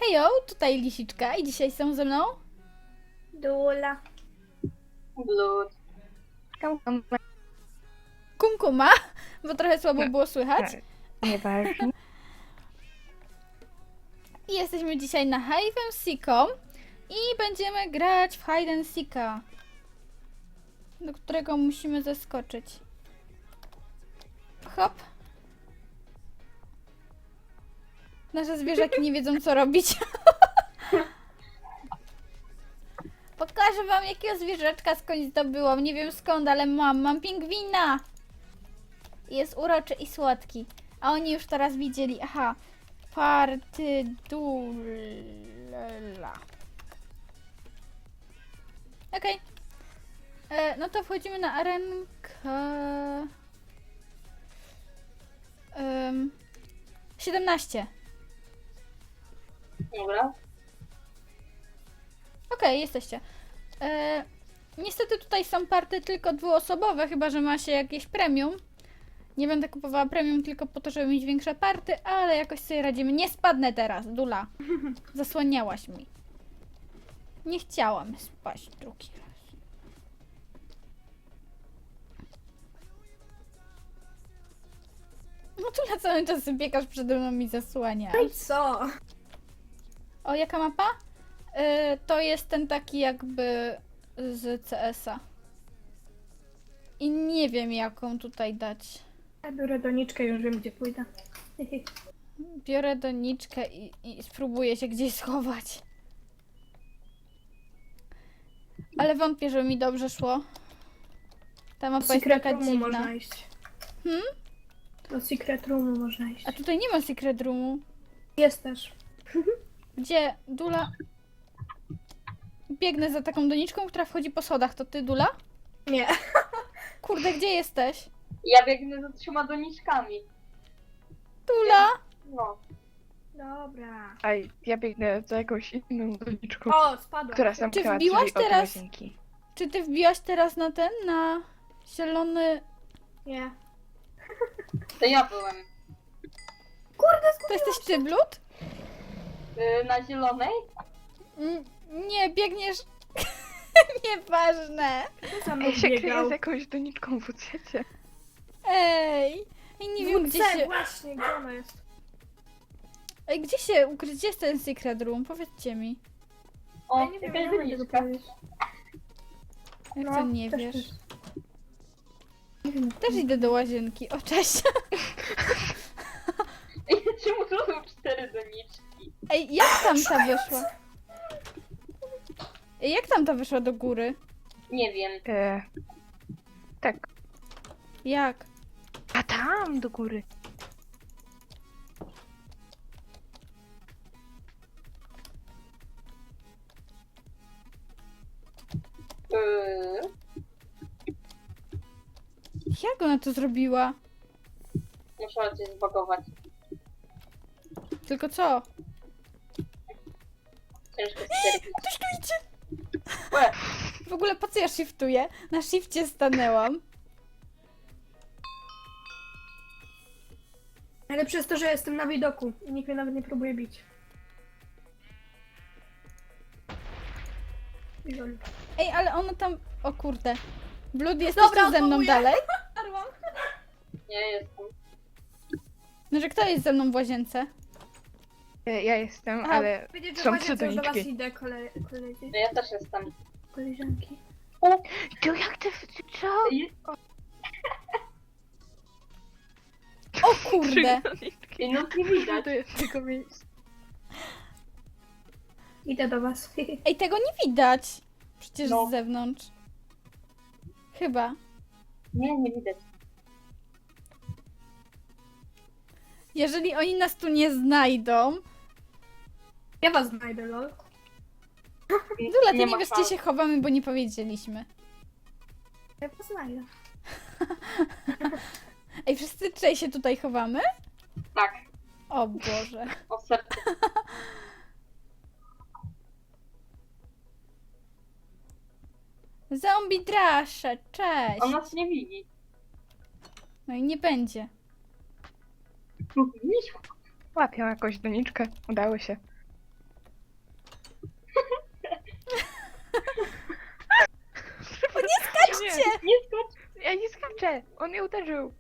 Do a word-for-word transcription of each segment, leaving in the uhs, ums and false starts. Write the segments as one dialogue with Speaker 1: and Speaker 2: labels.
Speaker 1: Hejo, tutaj Lisiczka i dzisiaj są ze mną
Speaker 2: Dula.
Speaker 3: Blood.
Speaker 1: Kumkuma, bo trochę słabo było słychać.
Speaker 2: Nieważne.
Speaker 1: I jesteśmy dzisiaj na Hide and Seeku i będziemy grać w Hide and Seeka, do którego musimy zeskoczyć. Hop. Nasze zwierzaki nie wiedzą, co robić. Pokażę wam, jakiego zwierzaczka skądś zdobyłam. Nie wiem skąd, ale mam. Mam pingwina. Jest uroczy i słodki. A oni już teraz widzieli. Aha. Partydula. Okej. Okay. No to wchodzimy na arenkę. Um, siedemnaście.
Speaker 3: Dobra.
Speaker 1: Okej, okay, jesteście. E, niestety tutaj są party tylko dwuosobowe, chyba że ma się jakieś premium. Nie będę kupowała premium tylko po to, żeby mieć większe party, ale jakoś sobie radzimy. Nie spadnę teraz, Dula. Zasłaniałaś mi. Nie chciałam spaść drugi raz. No Dula cały czas biegasz przede mną i zasłaniasz.
Speaker 2: No i co?
Speaker 1: O, jaka mapa? Yy, to jest ten taki jakby z C S a. I nie wiem, jaką tutaj dać.
Speaker 2: Ja biorę doniczkę i już wiem, gdzie pójdę.
Speaker 1: Biorę doniczkę i, i spróbuję się gdzieś schować. Ale wątpię, że mi dobrze szło. Ta mapa jest
Speaker 2: Secret
Speaker 1: taka
Speaker 2: roomu
Speaker 1: dziwna.
Speaker 2: można iść.
Speaker 1: Hmm?
Speaker 2: Do secret roomu można iść.
Speaker 1: A tutaj nie ma secret roomu.
Speaker 2: Jest też.
Speaker 1: Gdzie? Dula? Biegnę za taką doniczką, która wchodzi po schodach. To ty, Dula?
Speaker 2: Nie.
Speaker 1: Kurde, gdzie jesteś?
Speaker 3: Ja biegnę za trzema doniczkami.
Speaker 1: Dula?
Speaker 3: No.
Speaker 2: Dobra.
Speaker 4: A ja biegnę za jakąś inną doniczką,
Speaker 2: O, spadła.
Speaker 4: która zamknęła
Speaker 1: wbiłaś
Speaker 4: drzwi od
Speaker 1: teraz?
Speaker 4: łazienki.
Speaker 1: Czy ty wbiłaś teraz na ten, na zielony...
Speaker 2: Nie.
Speaker 3: To ja byłem.
Speaker 1: To jesteś ty, Blood?
Speaker 3: Yy, na zielonej?
Speaker 1: Mm, Nie, biegniesz... Nieważne.
Speaker 2: Kto za mną
Speaker 4: Ja się kryję
Speaker 2: biegał?
Speaker 4: z jakąś doniczką w uciecie.
Speaker 1: Ej, i nie wiem, gdzie
Speaker 2: W C,
Speaker 1: się...
Speaker 2: właśnie, gdzie ona jest?
Speaker 1: Ej, gdzie się ukryć? Gdzie jest ten secret room? Powiedzcie mi.
Speaker 3: O,
Speaker 2: Ja nie wiem,
Speaker 3: jakaś
Speaker 2: ja będę
Speaker 3: doniczka.
Speaker 2: powiedzieć.
Speaker 1: Jak
Speaker 2: No,
Speaker 1: to nie
Speaker 2: też
Speaker 1: wiesz?
Speaker 2: jest. Nie wiem.
Speaker 1: Też idę do łazienki. O, cześć.
Speaker 3: Ej, czemu to są cztery doniczki?
Speaker 1: Ej, jak tam ta wyszła? Ej, jak tam ta wyszła do góry?
Speaker 3: Nie wiem.
Speaker 4: E, tak.
Speaker 1: Jak?
Speaker 4: A tam do góry.
Speaker 3: Yy,
Speaker 1: Jak ona to zrobiła?
Speaker 3: musiała coś zbagować.
Speaker 1: Tylko co?
Speaker 3: Ciężko stwierdzić.
Speaker 1: Ktoś tu idzie!
Speaker 3: Łe,
Speaker 1: W ogóle po co ja shiftuję? Na shifcie stanęłam.
Speaker 2: Ale przez to, że jestem na widoku i nikt mnie nawet nie próbuje bić. I lol.
Speaker 1: Ej, ale ona tam... O kurde. Blood, jesteś
Speaker 2: Dobra,
Speaker 1: tu ze mną
Speaker 2: odwołuję.
Speaker 1: dalej?
Speaker 2: Arłam.
Speaker 3: nie jestem.
Speaker 1: No, że kto jest ze mną w łazience?
Speaker 4: E, ja jestem,
Speaker 1: Aha,
Speaker 4: ale
Speaker 2: Powiedzieć, że
Speaker 4: są
Speaker 2: właśnie
Speaker 4: trzy
Speaker 2: już do was
Speaker 4: doniczki.
Speaker 2: idę, kole, koledzy,
Speaker 3: No ja też jestem.
Speaker 2: koleżanki.
Speaker 3: O,
Speaker 4: To jak ty... Co?
Speaker 3: ej,
Speaker 1: O kurde!
Speaker 4: doniczki.
Speaker 3: ej, no nie widać.
Speaker 4: To jest tylko miejsce.
Speaker 2: Idę do was.
Speaker 1: Ej, tego nie widać. Przecież
Speaker 3: No.
Speaker 1: z zewnątrz. Chyba.
Speaker 3: Nie, nie widać.
Speaker 1: Jeżeli oni nas tu nie znajdą...
Speaker 2: Ja was znajdę, lol.
Speaker 1: Dula, ty nie,
Speaker 3: ma
Speaker 1: wiesz, gdzie
Speaker 3: szans.
Speaker 1: się chowamy, bo nie powiedzieliśmy.
Speaker 2: Ja was znajdę.
Speaker 1: Ej, wszyscy trzej się tutaj chowamy?
Speaker 3: Tak,
Speaker 1: O Boże.
Speaker 3: o serce.
Speaker 1: Zombie drasze, cześć!
Speaker 3: On nas nie widzi.
Speaker 1: No i nie będzie.
Speaker 3: Widzisz?
Speaker 4: Łapią jakąś doniczkę. Udało się.
Speaker 3: Nie skocz.
Speaker 4: Ja nie skaczę! On mnie uderzył!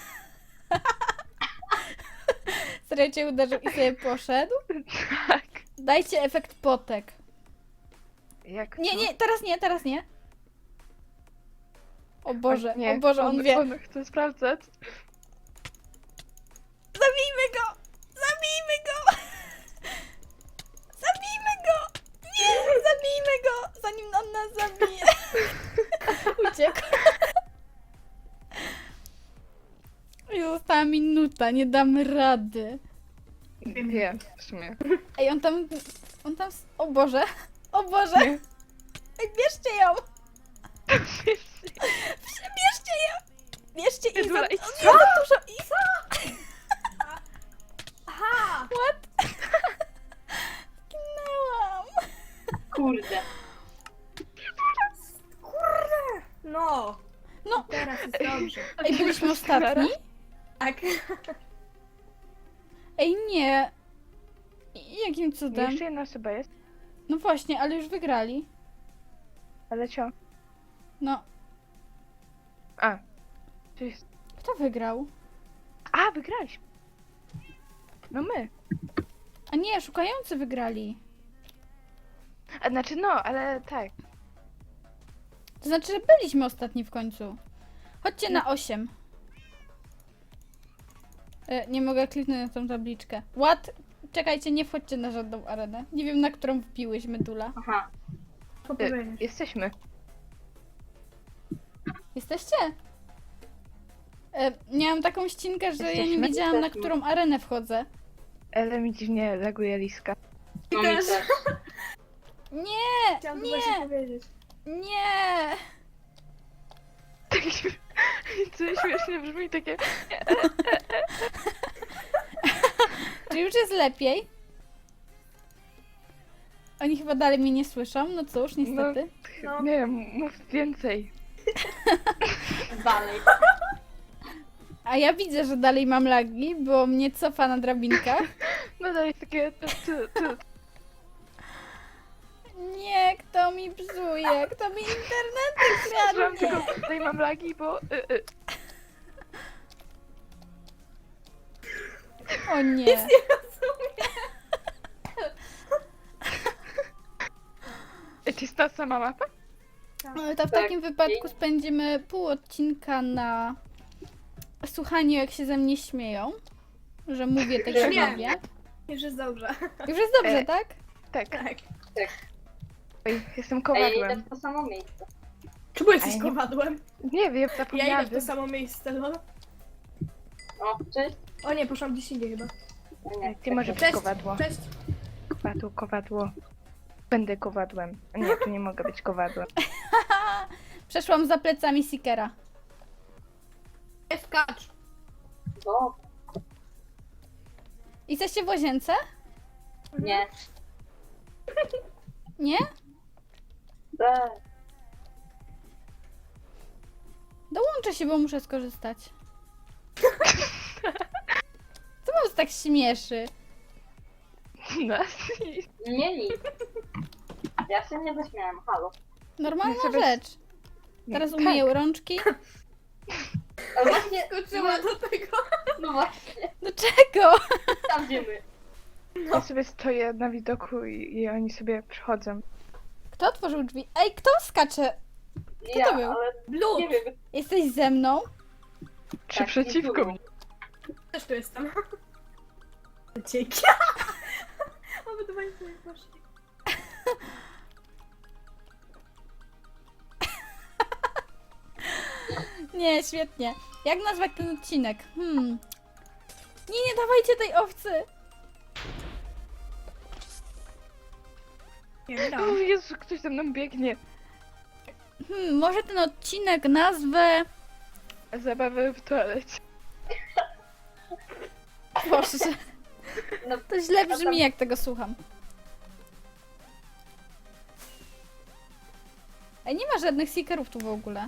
Speaker 1: Serio cię uderzył i sobie poszedł?
Speaker 4: Tak.
Speaker 1: Dajcie efekt potek.
Speaker 4: Jak
Speaker 1: Nie,
Speaker 4: to?
Speaker 1: nie, teraz nie, teraz nie. O Boże,
Speaker 4: nie,
Speaker 1: o Boże, on wie.
Speaker 4: On chce sprawdzać.
Speaker 1: Zabijmy go! Zabijmy go! Zabijmy go! Nie, zabijmy go! Zanim on nas zabije. Uciekł. I została minuta, nie damy rady.
Speaker 4: Wiem, w sumie.
Speaker 1: Ej, on tam... On tam... O Boże! O Boże!
Speaker 4: Nie.
Speaker 1: Ej, bierzcie ją! Bierzcie ją! Bierzcie Izę!
Speaker 4: Dobra,
Speaker 1: On
Speaker 4: idź.
Speaker 1: jest za dużo Iza!
Speaker 2: Aha!
Speaker 1: What? Zginęłam!
Speaker 3: Kurde.
Speaker 2: Kurde! No!
Speaker 1: No,
Speaker 2: Teraz jest dobrze.
Speaker 1: ej, byliśmy ostatni?
Speaker 2: Tak.
Speaker 1: Ej, nie! I- Jakim cudem?
Speaker 4: Jeszcze jedna osoba jest,
Speaker 1: No właśnie, ale już wygrali.
Speaker 4: ale co?
Speaker 1: No,
Speaker 4: A. To jest...
Speaker 1: kto wygrał?
Speaker 4: A, wygraliśmy! No my.
Speaker 1: A nie, szukający wygrali.
Speaker 4: A znaczy no, ale tak.
Speaker 1: To znaczy, że byliśmy ostatni w końcu. Chodźcie na osiem. E, nie mogę kliknąć na tą tabliczkę. What? Czekajcie, nie wchodźcie na żadną arenę. Nie wiem, na którą wbiłyśmy Dula.
Speaker 3: Aha.
Speaker 2: Co
Speaker 4: Y,
Speaker 2: powiedzieć?
Speaker 4: jesteśmy.
Speaker 1: Jesteście? E, miałam taką ścinkę, że ja nie
Speaker 4: Jesteśmy?
Speaker 1: wiedziałam, na
Speaker 3: Jesteśmy.
Speaker 1: którą arenę wchodzę.
Speaker 4: Ale mi dziwnie laguje liska.
Speaker 3: No mi
Speaker 2: też.
Speaker 3: też.
Speaker 1: Nie!
Speaker 2: Chciałam to
Speaker 1: Nie!
Speaker 2: właśnie powiedzieć.
Speaker 1: Nie!
Speaker 4: Tak co śmiesznie brzmi, takie...
Speaker 1: Czy już jest lepiej? Oni chyba dalej mnie nie słyszą, no cóż, niestety.
Speaker 2: No.
Speaker 4: Nie wiem, mów więcej.
Speaker 3: Dalej.
Speaker 1: A ja widzę, że dalej mam lagi, bo mnie cofa na drabinkach.
Speaker 4: No to jest takie... Tu, tu, tu.
Speaker 1: Nie, kto mi psuje? Kto mi internety
Speaker 4: Mam
Speaker 1: kradnie?
Speaker 4: tylko tutaj mam lagi, bo... Y, y.
Speaker 1: O nie.
Speaker 4: To jest ta sama mapa?
Speaker 1: No, to w
Speaker 3: Tak.
Speaker 1: takim wypadku spędzimy pół odcinka na słuchaniu, jak się ze mnie śmieją. Że mówię tak, jak
Speaker 2: Nie.
Speaker 1: mówię.
Speaker 2: Już jest dobrze.
Speaker 1: Już jest dobrze,
Speaker 4: E,
Speaker 1: tak?
Speaker 4: Tak.
Speaker 2: Tak.
Speaker 4: Oj, jestem
Speaker 3: Ej, ja idę
Speaker 4: kowadłem.
Speaker 3: w to samo miejsce.
Speaker 2: Czemu
Speaker 4: A
Speaker 2: jesteś
Speaker 4: ja nie-
Speaker 2: kowadłem?
Speaker 4: Nie wiem,
Speaker 2: Ja idę
Speaker 4: zapomniałam.
Speaker 2: w to samo miejsce, no.
Speaker 3: O, cześć.
Speaker 2: O nie, poszłam gdzieś indziej chyba.
Speaker 3: O nie,
Speaker 4: Ty może być
Speaker 2: Cześć.
Speaker 4: kowadło.
Speaker 2: Cześć.
Speaker 4: Kowadło, kowadło. Będę kowadłem. A nie, tu nie mogę być kowadłem.
Speaker 1: Przeszłam za plecami Seekera.
Speaker 2: Nie skacz.
Speaker 3: Bo,
Speaker 1: Jesteście w łazience?
Speaker 3: nie.
Speaker 1: Nie?
Speaker 3: Be.
Speaker 1: Dołączę się, bo muszę skorzystać. Co was tak śmieszy?
Speaker 4: Nas nie.
Speaker 3: Nie nic. Ja się nie zaśmiałem, halo.
Speaker 1: Normalna
Speaker 4: Ja sobie-
Speaker 1: rzecz. Teraz
Speaker 4: Tak.
Speaker 1: umyję rączki.
Speaker 3: Ale właśnie,
Speaker 2: Skoczyła do tego.
Speaker 3: no właśnie,
Speaker 1: Do czego?
Speaker 3: tam gdzie my.
Speaker 4: Ja sobie stoję na widoku i, i oni sobie przychodzą.
Speaker 1: Kto otworzył drzwi? Ej, kto skacze?
Speaker 3: Ja,
Speaker 1: to był?
Speaker 3: ale
Speaker 2: Blut.
Speaker 3: nie wiem,
Speaker 1: Jesteś ze mną?
Speaker 4: Czy
Speaker 3: Tak,
Speaker 4: przeciwko
Speaker 3: nie
Speaker 4: mnie?
Speaker 2: Też tu jestem. Dzięki. Obydwaj sobie poszli.
Speaker 1: Nie, świetnie. Jak nazwać ten odcinek? Hmm. Nie, nie dawajcie tej owcy!
Speaker 2: Nie, nie
Speaker 4: O
Speaker 2: dałam.
Speaker 4: Jezu, ktoś za mną biegnie.
Speaker 1: Hmm, może ten odcinek nazwę...
Speaker 4: Zabawy w toalecie.
Speaker 1: Boże,
Speaker 3: no,
Speaker 1: to źle brzmi, jak tego słucham. Ej, nie ma żadnych seekerów tu w ogóle.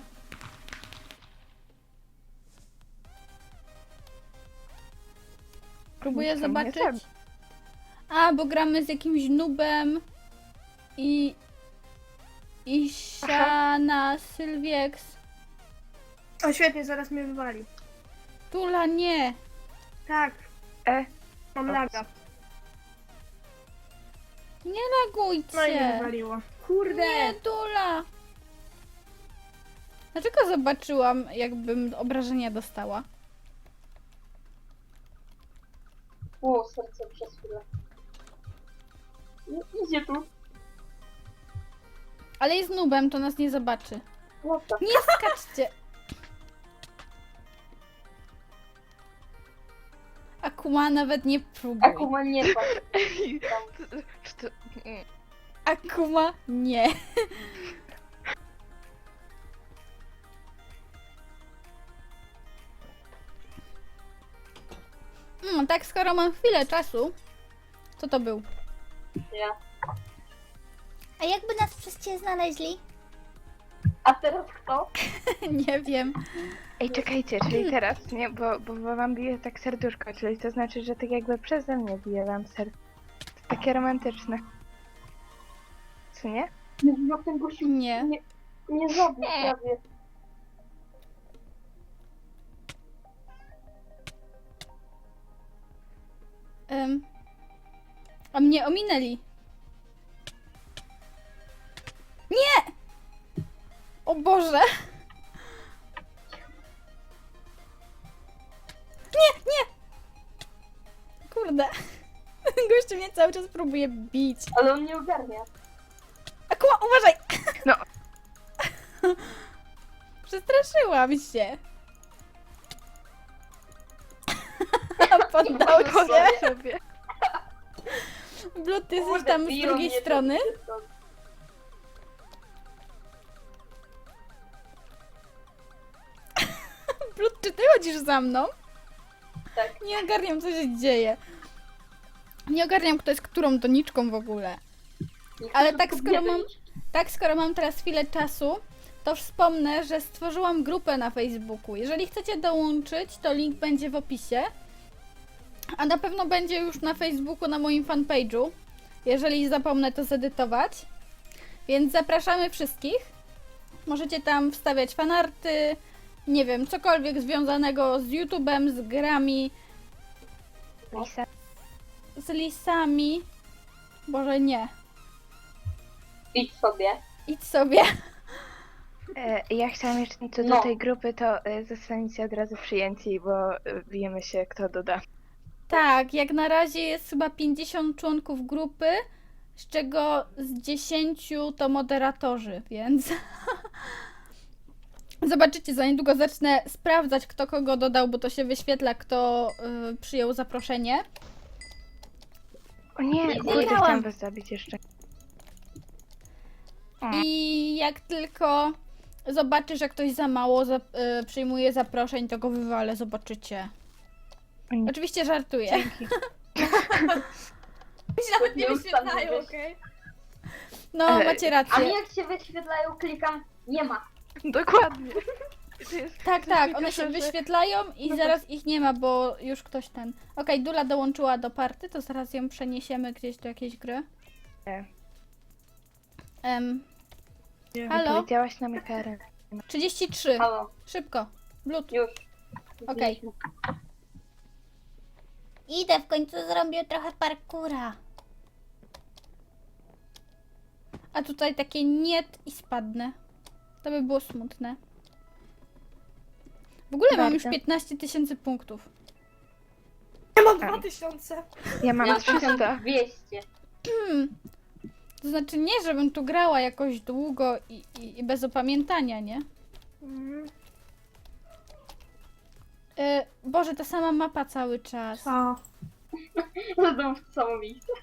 Speaker 1: Próbuję
Speaker 4: Nikt tam nie
Speaker 1: zobaczyć.
Speaker 4: zabił.
Speaker 1: A, bo gramy z jakimś nubem i... I Siana Sylwiex.
Speaker 2: O świetnie, zaraz mnie wywali.
Speaker 1: Tula, nie.
Speaker 2: Tak,
Speaker 4: E,
Speaker 2: mam
Speaker 4: Ops.
Speaker 2: laga.
Speaker 1: Nie lagujcie.
Speaker 2: No i mnie wywaliło. Kurde!
Speaker 1: Nie, Tula. Dlaczego zobaczyłam, jakbym obrażenia dostała?
Speaker 3: O, serce przez chwilę. Nie, idzie tu.
Speaker 1: Ale jest nubem, to nas nie zobaczy.
Speaker 3: No to.
Speaker 1: Nie skaczcie. Akuma nawet nie próbuj.
Speaker 3: Akuma nie patrz.
Speaker 4: czy to... mm,
Speaker 1: Akuma nie. No tak, skoro mam chwilę czasu, co to był?
Speaker 3: Ja.
Speaker 1: A jakby nas przez ciebie znaleźli?
Speaker 3: A teraz kto?
Speaker 1: Nie wiem.
Speaker 4: Ej, czekajcie, czyli teraz, nie? Bo, bo, bo wam bije tak serduszko, czyli to znaczy, że tak jakby przeze mnie bije wam serce. To takie romantyczne. Co nie?
Speaker 3: Nie, no ten gościu
Speaker 1: Nie.
Speaker 3: nie, nie zabił prawie.
Speaker 1: Em, a mnie ominęli. Nie! O Boże! Nie, nie! Kurde. Gościu mnie cały czas próbuje bić.
Speaker 3: Ale on nie ogarnia.
Speaker 1: Akuma, uważaj!
Speaker 4: No.
Speaker 1: Przestraszyłam się. Poddał się.
Speaker 4: Poddał sobie.
Speaker 1: Blut, ty jesteś
Speaker 3: Kurde,
Speaker 1: tam z
Speaker 3: biją
Speaker 1: drugiej
Speaker 3: mnie
Speaker 1: strony.
Speaker 3: te- te-
Speaker 1: Blut, czy ty chodzisz za mną?
Speaker 3: Tak.
Speaker 1: Nie ogarniam, co się dzieje. Nie ogarniam, kto jest którą doniczką w ogóle.
Speaker 3: Niech
Speaker 1: Ale
Speaker 3: to
Speaker 1: tak,
Speaker 3: tylko
Speaker 1: skoro
Speaker 3: biegnie.
Speaker 1: mam- Tak, skoro mam teraz chwilę czasu, to wspomnę, że stworzyłam grupę na Facebooku. Jeżeli chcecie dołączyć, to link będzie w opisie. A na pewno będzie już na Facebooku, na moim fanpage'u. Jeżeli zapomnę to zedytować. Więc zapraszamy wszystkich. Możecie tam wstawiać fanarty, nie wiem, cokolwiek związanego z YouTube'em, z grami,
Speaker 4: Lisa.
Speaker 1: z lisami. Boże, nie.
Speaker 3: Idź sobie.
Speaker 1: Idź sobie.
Speaker 4: E, ja chciałam jeszcze co do
Speaker 3: No.
Speaker 4: tej grupy, to e, zostaniecie od razu przyjęci, bo e, bijemy się, kto doda.
Speaker 1: Tak, jak na razie jest chyba pięćdziesiąt członków grupy, z czego z dziesięciu to moderatorzy, więc zobaczycie, za niedługo zacznę sprawdzać, kto kogo dodał, bo to się wyświetla, kto y, przyjął zaproszenie.
Speaker 4: O nie,
Speaker 3: Nie
Speaker 4: kurde,
Speaker 1: wiedziałam.
Speaker 4: chciałam was zabić jeszcze.
Speaker 1: I jak tylko zobaczy, że ktoś za mało za, y, przyjmuje zaproszeń, to go wywalę, zobaczycie.
Speaker 4: O nie.
Speaker 1: Oczywiście żartuję.
Speaker 4: Dzięki.
Speaker 2: Mi się nawet nie
Speaker 3: Nieustanny
Speaker 2: wyświetlają,
Speaker 3: wyś-
Speaker 2: okej?
Speaker 1: No,
Speaker 4: Ale-
Speaker 1: macie
Speaker 3: A
Speaker 1: rację.
Speaker 3: mi jak się wyświetlają, klikam, nie ma.
Speaker 4: Dokładnie. To jest
Speaker 1: Tak,
Speaker 4: coś
Speaker 1: tak,
Speaker 4: takiego,
Speaker 1: one się
Speaker 4: że-
Speaker 1: wyświetlają i
Speaker 4: No
Speaker 1: zaraz ich nie ma, bo już ktoś ten... Okej, Dula dołączyła do party, to zaraz ją przeniesiemy gdzieś do jakiejś gry.
Speaker 4: Nie.
Speaker 1: Em, halo?
Speaker 4: Powiedziałaś nam jaka arena.
Speaker 1: trzydzieści trzy.
Speaker 3: Halo,
Speaker 1: Szybko. Blut.
Speaker 3: już.
Speaker 1: Okej. Idę, w końcu zrobię trochę parkura. A tutaj takie niet i spadnę. To by było smutne. W ogóle mam już
Speaker 4: Bardzo.
Speaker 1: piętnaście tysięcy punktów.
Speaker 2: Ja mam
Speaker 4: A.
Speaker 2: dwa tysiące.
Speaker 4: Ja mam
Speaker 3: Ja
Speaker 4: trzysta.
Speaker 3: dwieście.
Speaker 1: Hmm. To znaczy nie, żebym tu grała jakoś długo i, i, i bez opamiętania, nie?
Speaker 2: Mhm.
Speaker 1: E, Boże, ta sama mapa cały czas.
Speaker 2: Co?
Speaker 3: Znowu w to samo miejsce.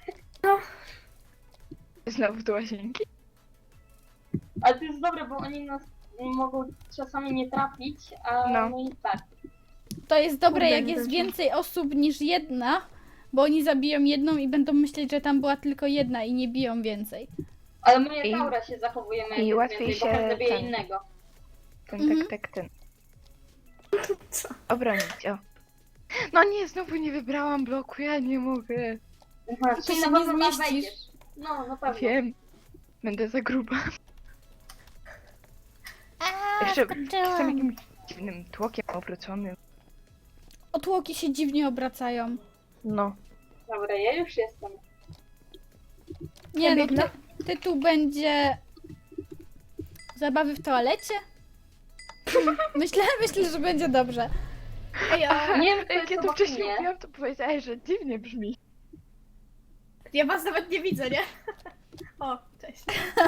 Speaker 4: Znowu do łazienki.
Speaker 3: Ale to jest dobre, bo oni nas mogą czasami nie trafić, a
Speaker 4: No.
Speaker 3: no i tak.
Speaker 1: To jest dobre,
Speaker 2: Kurde,
Speaker 1: jak
Speaker 2: nie
Speaker 1: jest
Speaker 2: weszło.
Speaker 1: więcej osób niż jedna, bo oni zabiją jedną i będą myśleć, że tam była tylko jedna i nie biją więcej.
Speaker 3: Ale moja
Speaker 4: I-
Speaker 3: taura się zachowuje
Speaker 4: i
Speaker 3: mniej więcej,
Speaker 4: łatwiej
Speaker 3: bo
Speaker 4: się
Speaker 3: każdy bije
Speaker 4: ten-
Speaker 3: innego.
Speaker 4: Ten,
Speaker 1: Mhm.
Speaker 4: tak, tak, ten.
Speaker 2: Co?
Speaker 4: Obronić, o. No nie, znowu nie wybrałam bloku, ja nie mogę.
Speaker 3: Aha,
Speaker 1: To
Speaker 3: czyli
Speaker 1: się
Speaker 3: na
Speaker 1: nie
Speaker 3: pewno tam
Speaker 1: zmieścisz.
Speaker 3: wejdziesz. No, na pewno.
Speaker 4: Wiem. Będę za gruba.
Speaker 1: A,
Speaker 4: Jeszcze chcę jakimś dziwnym tłokiem obróconym.
Speaker 1: Otłoki się dziwnie obracają.
Speaker 4: No.
Speaker 3: Dobra, ja już jestem.
Speaker 1: Nie no,
Speaker 2: biegnę.
Speaker 1: ty, tytuł będzie... Zabawy w toalecie? Myślę, myślę, że będzie dobrze.
Speaker 2: Ej, a
Speaker 3: Nie wiem, kto
Speaker 4: Jak
Speaker 3: jest
Speaker 4: ja to
Speaker 3: obok
Speaker 4: wcześniej
Speaker 3: mnie.
Speaker 4: mówiłam, to powiedziałeś, że dziwnie brzmi.
Speaker 2: ja was nawet nie widzę, nie? O, cześć.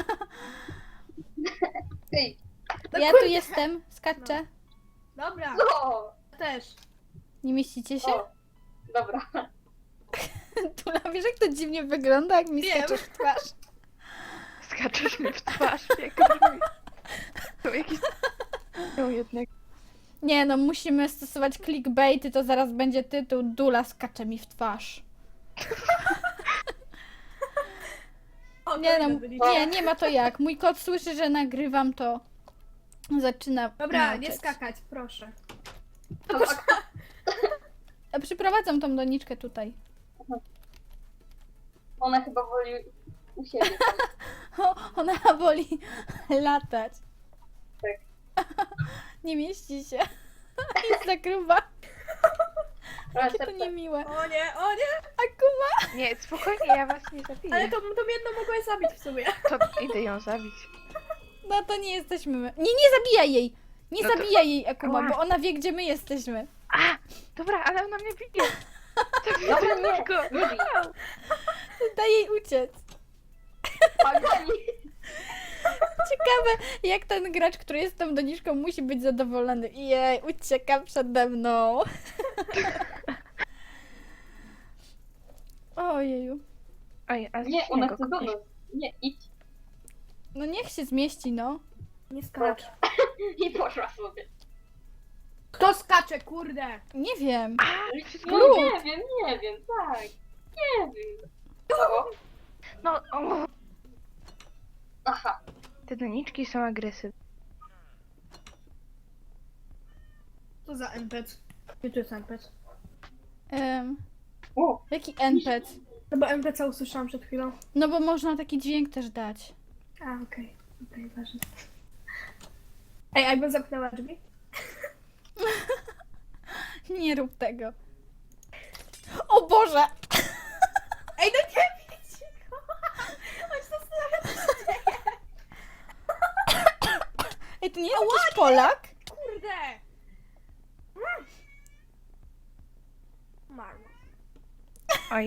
Speaker 3: Ej,
Speaker 2: No
Speaker 1: Ja
Speaker 2: kurde.
Speaker 1: tu jestem, skaczę.
Speaker 2: Dobra,
Speaker 3: co?
Speaker 2: też.
Speaker 1: Nie mieścicie się?
Speaker 3: O, dobra.
Speaker 1: Tula, wiesz jak to dziwnie wygląda, jak mi
Speaker 2: Wiem.
Speaker 1: skaczesz w twarz?
Speaker 4: Skaczesz mi w twarz, jak to brzmi. To jakiś... No jednak.
Speaker 1: Nie no, musimy stosować clickbaity, to zaraz będzie tytuł Dula skacze mi w twarz.
Speaker 2: O,
Speaker 1: Nie no,
Speaker 2: kolega byliście.
Speaker 1: nie, nie ma to jak. Mój kot słyszy, że nagrywam, to zaczyna
Speaker 2: Dobra, nie
Speaker 1: mruczeć.
Speaker 2: skakać, proszę.
Speaker 1: A Przyprowadzam tą doniczkę tutaj.
Speaker 3: Ona chyba woli u siebie.
Speaker 1: O, ona woli latać.
Speaker 3: Tak.
Speaker 1: Nie mieści się. Jest za gruba.
Speaker 3: Trochę
Speaker 1: Jakie to
Speaker 3: serce.
Speaker 1: niemiłe.
Speaker 2: O nie, o nie!
Speaker 1: A kuma?
Speaker 4: Nie, spokojnie, ja was nie zabiję.
Speaker 2: Ale to, to mnie jedno mogłeś zabić w sumie.
Speaker 4: To idę ją zabić.
Speaker 1: No to nie jesteśmy my. Nie, nie zabijaj jej! Nie
Speaker 4: No to-
Speaker 1: zabijaj jej, Akuma,
Speaker 4: Ała.
Speaker 1: bo ona wie, gdzie my jesteśmy.
Speaker 4: A! Dobra, ale ona mnie bije. Zabiję
Speaker 3: Dobra,
Speaker 4: ten
Speaker 3: nie,
Speaker 4: nóżko.
Speaker 3: nie bij.
Speaker 1: Daj jej uciec.
Speaker 3: Pani.
Speaker 1: Ciekawe, jak ten gracz, który jest tą doniczką, musi być zadowolony. Jej, ucieka przede mną. Ojeju.
Speaker 4: Oj, a
Speaker 3: Nie, ona
Speaker 4: śniegu
Speaker 3: chce do
Speaker 4: kupisz.
Speaker 3: nas. Nie, idź.
Speaker 1: No niech się zmieści, no.
Speaker 2: Nie skacz.
Speaker 3: I poszła sobie.
Speaker 2: Kto skacze, kurde?
Speaker 1: Nie wiem.
Speaker 4: A, wszystko
Speaker 3: No,
Speaker 4: lubię.
Speaker 3: nie wiem, nie wiem, tak. Nie wiem. Co?
Speaker 4: No, o,
Speaker 3: Aha.
Speaker 4: te doniczki są agresywne.
Speaker 2: Co za N P C? Gdzie tu jest N P C?
Speaker 1: Um,
Speaker 3: O,
Speaker 1: jaki N P C?
Speaker 2: No bo N P C usłyszałam przed chwilą.
Speaker 1: No bo można taki dźwięk też dać.
Speaker 2: A, okej. Okej, ważne. Ej, a jakbym zamknęła drzwi?
Speaker 1: Nie rób tego. O Boże!
Speaker 2: Ej, no nie widzicie go! On się zastanawia, co się dzieje.
Speaker 1: Ej, to nie jest jakiś Polak?
Speaker 2: Kurde! Mm. Marno.
Speaker 4: Oj,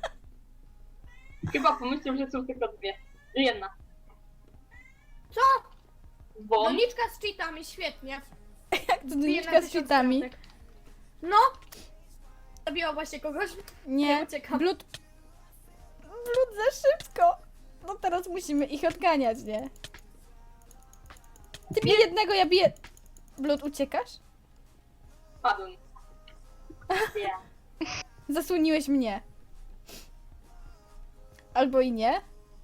Speaker 3: chyba pomyślał, że są tylko dwie. Jedna.
Speaker 2: Co?
Speaker 3: Bo
Speaker 2: Doniczka z cheatami, świetnie.
Speaker 1: Jak to
Speaker 2: Bije na
Speaker 1: doniczka z
Speaker 2: tysiąc
Speaker 1: cheatami?
Speaker 2: kratek. No! Zabiła właśnie kogoś.
Speaker 1: Nie,
Speaker 2: Ja uciekam.
Speaker 1: blut... Blut za szybko. No teraz musimy ich odganiać, nie? Ty bij jednego, ja biję... Blut, uciekasz?
Speaker 3: padłem. Ja.
Speaker 1: Zasłoniłeś mnie. Albo i nie.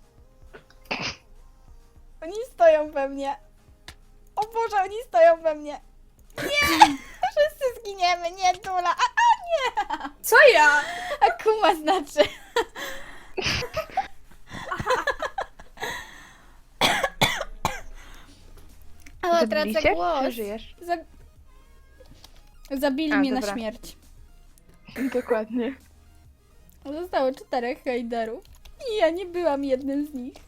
Speaker 1: Oni stoją we mnie. O Boże, oni stoją we mnie. Nie! Wszyscy zginiemy, nie Dula. A, a nie!
Speaker 2: Co ja?
Speaker 1: Akuma znaczy. O, tracę
Speaker 4: zabiliście?
Speaker 1: głos.
Speaker 4: Czy żyjesz?
Speaker 1: Zab... Zabili
Speaker 4: A,
Speaker 1: mnie na
Speaker 4: dobra.
Speaker 1: śmierć.
Speaker 4: Dokładnie.
Speaker 1: Zostało czterech hejderów. I ja nie byłam jednym z nich.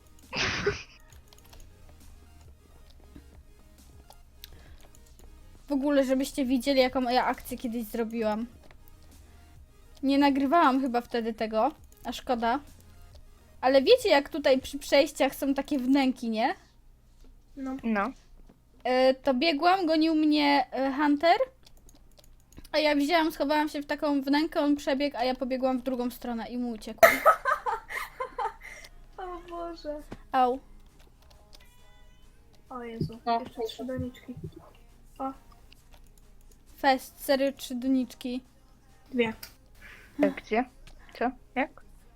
Speaker 1: W ogóle, żebyście widzieli, jaką ja akcję kiedyś zrobiłam. Nie nagrywałam chyba wtedy tego, a szkoda. Ale wiecie, jak tutaj przy przejściach są takie wnęki, nie?
Speaker 2: No.
Speaker 4: No.
Speaker 1: E, to biegłam, gonił mnie e, Hunter. A ja wzięłam, schowałam się w taką wnękę, on przebiegł, a ja pobiegłam w drugą stronę i mu uciekłam.
Speaker 2: O Boże.
Speaker 1: Au.
Speaker 2: O Jezu.
Speaker 3: No,
Speaker 2: Jeszcze trzy doniczki. O,
Speaker 1: Fest, serio, trzy doniczki.
Speaker 2: dwie.
Speaker 4: A gdzie? Co? Jak?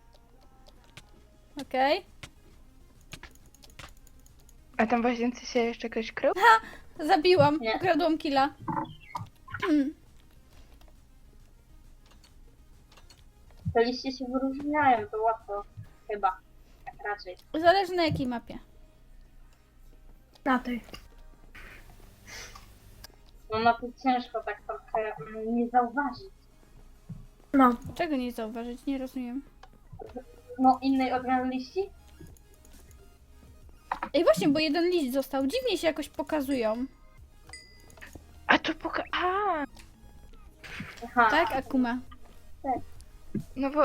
Speaker 1: Okej.
Speaker 4: A tam w łazience się jeszcze ktoś krył?
Speaker 1: Zabiłam,
Speaker 3: Nie.
Speaker 1: ukradłam killa. Mm.
Speaker 3: Te liście się wyróżniają, to łatwo. Chyba. Tak raczej.
Speaker 1: Zależy na jakiej mapie.
Speaker 2: Na tej.
Speaker 3: No na to ciężko tak trochę mm, nie zauważyć.
Speaker 2: No.
Speaker 1: Czego nie zauważyć? Nie rozumiem.
Speaker 3: No innej odmiany liści?
Speaker 1: Ej, właśnie, bo jeden list został. Dziwnie się jakoś pokazują.
Speaker 4: A to poka... A,
Speaker 3: Aha.
Speaker 1: Tak, Akuma?
Speaker 4: no bo...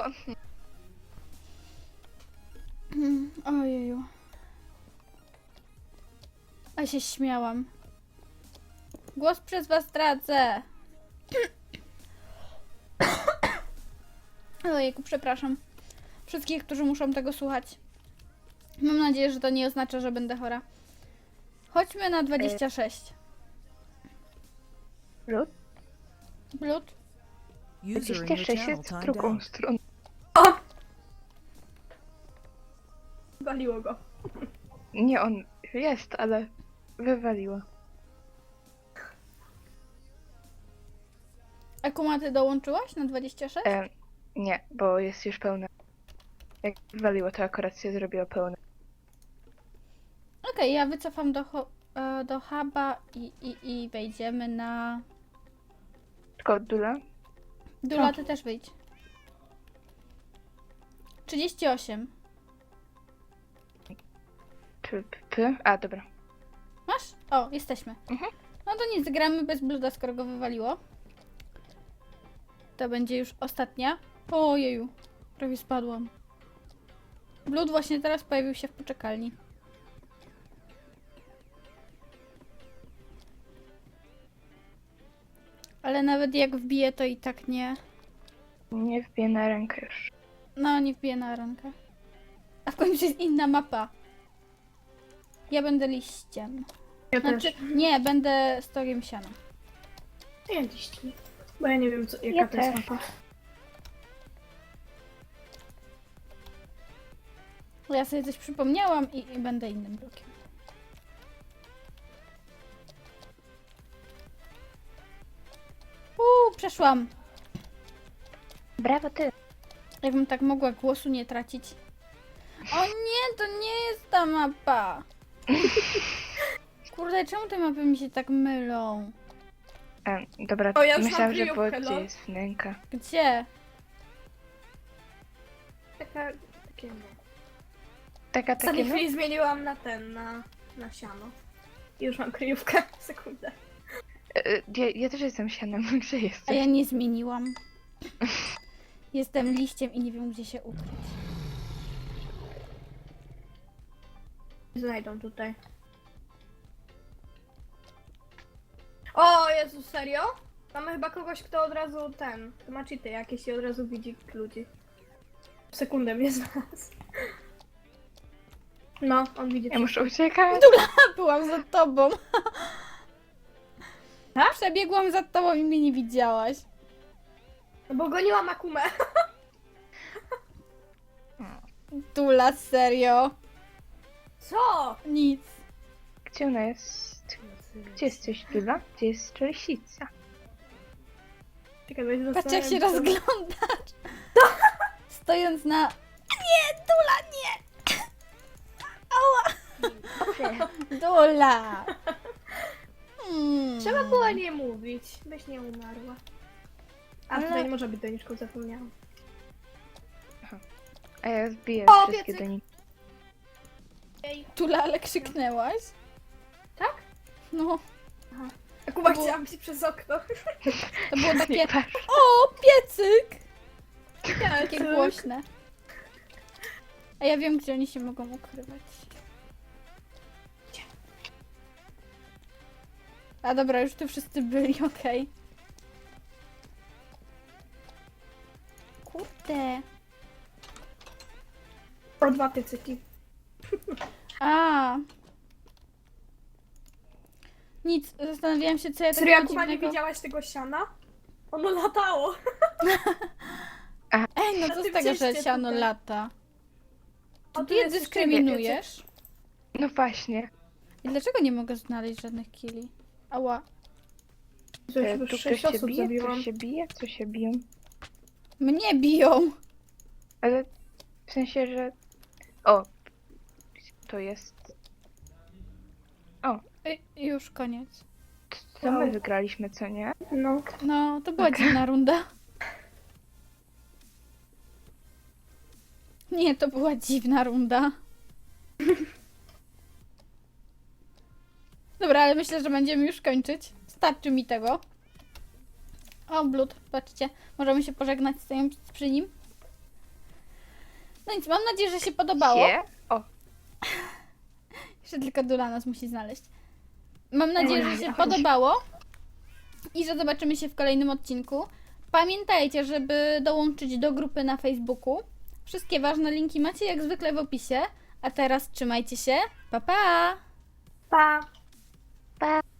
Speaker 1: Mm, Ojeju. A się śmiałam. Głos przez was tracę. Ojejku, przepraszam. Wszystkich, którzy muszą tego słuchać. Mam nadzieję, że to nie oznacza, że będę chora. Chodźmy na dwadzieścia sześć.
Speaker 4: Lud?
Speaker 1: Blut?
Speaker 5: User in
Speaker 4: dwadzieścia
Speaker 5: your
Speaker 4: sześć
Speaker 5: channel
Speaker 4: jest w
Speaker 5: timed
Speaker 4: drugą
Speaker 5: out.
Speaker 4: stronę.
Speaker 2: Waliło go.
Speaker 4: Nie, on jest, ale wywaliło.
Speaker 1: Akuma, ty dołączyłaś na dwadzieścia sześć?
Speaker 4: E, nie, bo jest już pełne. Jak wywaliło, to akurat się zrobiło pełne.
Speaker 1: Okej, ja wycofam do, ho- e, do huba i, i, i wejdziemy na...
Speaker 4: Tylko Dula?
Speaker 1: Dula, ty też wyjdź. trzydzieści osiem.
Speaker 4: P, p, p. A, dobra.
Speaker 1: Masz? O, jesteśmy.
Speaker 4: Mhm.
Speaker 1: No to nic, gramy bez bluda, skoro go wywaliło. To będzie już ostatnia. Ojeju, prawie spadłam. Blood właśnie teraz pojawił się w poczekalni. Ale nawet jak wbije, to i tak nie.
Speaker 4: Nie wbiję na rękę już.
Speaker 1: No, nie wbije na rękę. A w końcu jest inna mapa. Ja będę liściem.
Speaker 2: Ja
Speaker 1: Znaczy,
Speaker 2: też.
Speaker 1: nie, będę stogiem siana.
Speaker 2: Ja liści. Bo ja nie wiem, co, jaka
Speaker 4: Ja
Speaker 2: to jest
Speaker 4: też.
Speaker 2: mapa.
Speaker 1: Ja sobie coś przypomniałam i, i będę innym blokiem. Uuu, przeszłam.
Speaker 4: Brawo ty.
Speaker 1: Jakbym tak mogła głosu nie tracić. O nie, to nie jest ta mapa. Kurde, czemu te mapy mi się tak mylą?
Speaker 4: E, dobra,
Speaker 2: O, ja już mam
Speaker 4: myślałam, że było
Speaker 2: kryjówkę,
Speaker 4: gdzie
Speaker 2: no.
Speaker 4: jest wnęka.
Speaker 1: Gdzie?
Speaker 2: Taka, takie no.
Speaker 4: Taka,
Speaker 2: Ostatniej
Speaker 4: takie no.
Speaker 2: chwili zmieniłam na ten, na, na siano. I już mam kryjówkę. Sekundę.
Speaker 4: E, e, ja, ja też jestem sianem, gdzie
Speaker 1: A
Speaker 4: jesteś?
Speaker 1: ja nie zmieniłam. Jestem liściem i nie wiem, gdzie się ukryć.
Speaker 2: Znajdą tutaj. O Jezu, serio? Mamy chyba kogoś, kto od razu ten, kto ma cheaty jakieś i od razu widzi ludzi. W sekundę mnie znalazł. No, on widzi.
Speaker 4: Ja muszę uciekać.
Speaker 1: Byłam za tobą.
Speaker 2: Tak?
Speaker 1: Przebiegłam za tobą i mnie nie widziałaś.
Speaker 2: No bo goniłam Akumę.
Speaker 1: Dula, serio.
Speaker 2: Co?
Speaker 1: Nic.
Speaker 4: Gdzie ona jest? Gdzie jesteś, Dula? Gdzie jest Czelsica?
Speaker 2: Czekaj, bo się
Speaker 1: Patrz jak się
Speaker 2: zastanawiam, co-
Speaker 1: rozglądasz. Stojąc na... Nie, Dula, nie! Ała! Dula! Hmm.
Speaker 2: Trzeba było nie mówić, byś nie umarła. A
Speaker 1: Ale-
Speaker 2: tutaj nie może być doniczką, zapomniałam.
Speaker 4: A ja zbiję
Speaker 2: O,
Speaker 4: wszystkie
Speaker 2: piecyk!
Speaker 4: do nich.
Speaker 1: Dula, ale krzyknęłaś?
Speaker 2: Tak?
Speaker 1: No,
Speaker 2: Akuma
Speaker 1: Było-
Speaker 2: chciałam się przez okno.
Speaker 1: to było takie...
Speaker 4: Nie patrz.
Speaker 1: O, piecyk! Takie
Speaker 2: Piecyk.
Speaker 1: głośne. A ja wiem, gdzie oni się mogą ukrywać. A dobra, już tu wszyscy byli, okej. Kurde.
Speaker 2: O, dwa piecyki.
Speaker 1: A. Nic, zastanawiałam się, co ja
Speaker 2: Serio,
Speaker 1: takiego
Speaker 2: Akuma, nie
Speaker 1: dziwnego...
Speaker 2: widziałaś tego siana? Ono latało.
Speaker 1: Ej, no
Speaker 2: Na
Speaker 1: co z
Speaker 2: tym
Speaker 1: tego, że
Speaker 2: cieście
Speaker 1: siano
Speaker 2: tutaj.
Speaker 1: lata?
Speaker 2: O,
Speaker 1: Czy
Speaker 2: tu
Speaker 1: ty je
Speaker 2: jest jeszcze
Speaker 1: dyskryminujesz?
Speaker 4: No właśnie.
Speaker 1: I dlaczego nie mogę znaleźć żadnych killi? Ała.
Speaker 2: Że
Speaker 4: E,
Speaker 2: już
Speaker 4: tu
Speaker 2: sześć
Speaker 4: ktoś się
Speaker 2: osób
Speaker 4: bije?
Speaker 2: zabiłam.
Speaker 4: Ktoś się bije? Co się biją?
Speaker 1: Mnie biją!
Speaker 4: Ale w sensie, że... O! To jest...
Speaker 1: Ej, już koniec.
Speaker 4: Co my wygraliśmy, co nie?
Speaker 2: No.
Speaker 1: No, to była dziwna runda. Nie, to była dziwna runda. Dobra, ale myślę, że będziemy już kończyć. Starczy mi tego. O, Blut, patrzcie. Możemy się pożegnać stojąc przy nim. No nic, mam nadzieję, że się podobało.
Speaker 4: Sie? O,
Speaker 1: Jeszcze tylko Dula nas musi znaleźć. Mam nadzieję, że się podobało i że zobaczymy się w kolejnym odcinku. Pamiętajcie, żeby dołączyć do grupy na Facebooku. Wszystkie ważne linki macie jak zwykle w opisie. A teraz trzymajcie się. Pa, pa!
Speaker 2: Pa!
Speaker 4: pa!